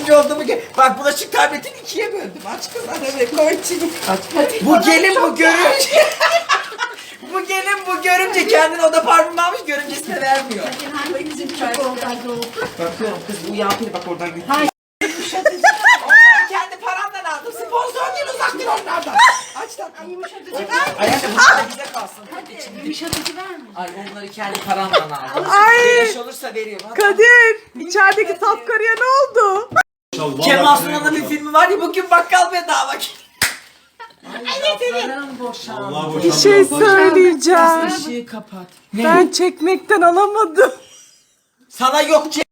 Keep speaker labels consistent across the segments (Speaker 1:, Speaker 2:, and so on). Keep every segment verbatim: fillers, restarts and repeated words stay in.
Speaker 1: üçüncü olduğumu gö- Bak bulaşık tabletini ikiye böldüm. Aç kız arada koy çiğ. Bu gelin bu görümce. Bu gelin bu görümce kendine oda parfüm almış, görümcesine vermiyor. Bakıyorum kız bu yağpiri bak oradan gitti. Hayır. Kendi paramdan aldım. Sponsor değil, uzak dur onlardan. Aç lan. Ay yumuşatıcı ver. Ayakkabı bize kalsın. Hadi yumuşatıcı ver mi? Ay onları kendi paramdan aldım.
Speaker 2: Ay.
Speaker 1: Beleş olursa veriyorum. Hadi.
Speaker 2: Kadir, içerideki saf karıya ne oldu?
Speaker 1: Kemal Sunal'ın bir filmi var ya, bugün bakkal bedava. Evet evet.
Speaker 2: Bir şey söyleyeceğim.
Speaker 1: Işığı kapat.
Speaker 2: Ben çekmekten alamadım.
Speaker 1: Sana yok ki.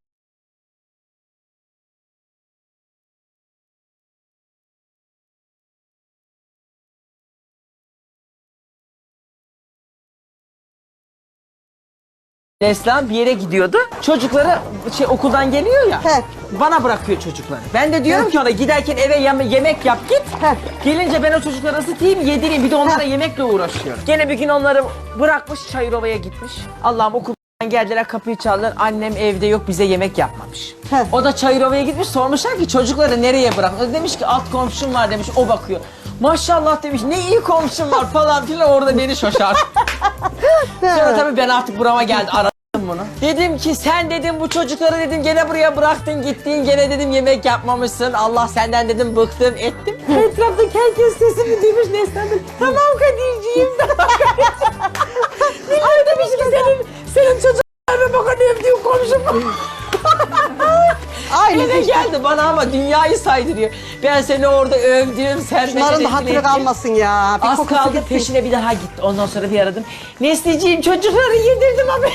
Speaker 3: Neslihan bir yere gidiyordu. Çocukları şey okuldan geliyor ya.
Speaker 2: He.
Speaker 3: Bana bırakıyor çocukları. Ben de diyorum ki ona giderken eve yeme- yemek yap git.
Speaker 2: He.
Speaker 3: Gelince ben o çocukları ısıtayım yedireyim. Bir de onlara yemekle uğraşıyorum. Gene bir gün onları bırakmış Çayırova'ya gitmiş. Allah'ım okuldan geldiler kapıyı çaldılar. Annem evde yok bize yemek yapmamış.
Speaker 2: He.
Speaker 3: O da Çayırova'ya gitmiş sormuşlar ki çocukları nereye bırak? O demiş ki alt komşum var demiş o bakıyor. Maşallah demiş ne iyi komşum var falan filan orada beni şaşar. Sonra tabii ben artık burama geldi aradım bunu. Dedim ki sen dedim bu çocukları dedim gene buraya bıraktın gittin gene dedim yemek yapmamışsın. Allah senden dedim bıktım ettim. Etraftaki herkes sesimi duymuş Neslihan dedim. Tamam Kadir'ciğim tamam Kadir'ciğim. Millet demiş ki senin, senin çocuklarına bakın evdiğin komşum var. Eve geldi bana ama dünyayı saydırıyor. Ben seni orada övdüm, sen
Speaker 2: Bunların da hatırı kalmasın ya. Bir
Speaker 3: Az
Speaker 2: kokusu
Speaker 3: kaldı
Speaker 2: gitsin.
Speaker 3: peşine bir daha gitti. Ondan sonra bir aradım. Nesli'ciğim çocukları yedirdim ama.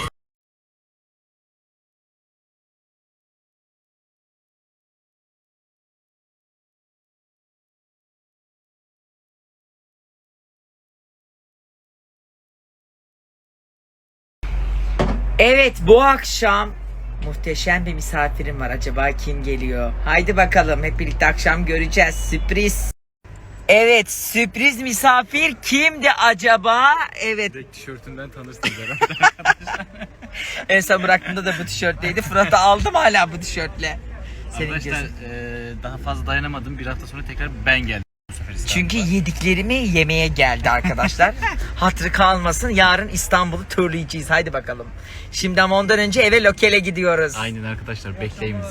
Speaker 1: Evet bu akşam muhteşem bir misafirim var. Acaba kim geliyor? Haydi bakalım hep birlikte akşam göreceğiz. Sürpriz. Evet sürpriz misafir kimdi acaba? Evet.
Speaker 4: Tişörtünden tanırsınız herhalde.
Speaker 1: En son bıraktığımda da bu tişörtteydi. Fırat'ı aldım hala bu tişörtle. Senin
Speaker 4: Arkadaşlar
Speaker 1: gözün.
Speaker 4: eee, daha fazla dayanamadım. Bir hafta sonra tekrar ben geldim bu sefer İstanbul'a.
Speaker 1: Çünkü yediklerimi yemeye geldi arkadaşlar. Hatırı kalmasın. Yarın İstanbul'u turlayacağız. Haydi bakalım. Şimdi ama ondan önce eve lokele gidiyoruz.
Speaker 4: Aynen arkadaşlar bekleyin bizi.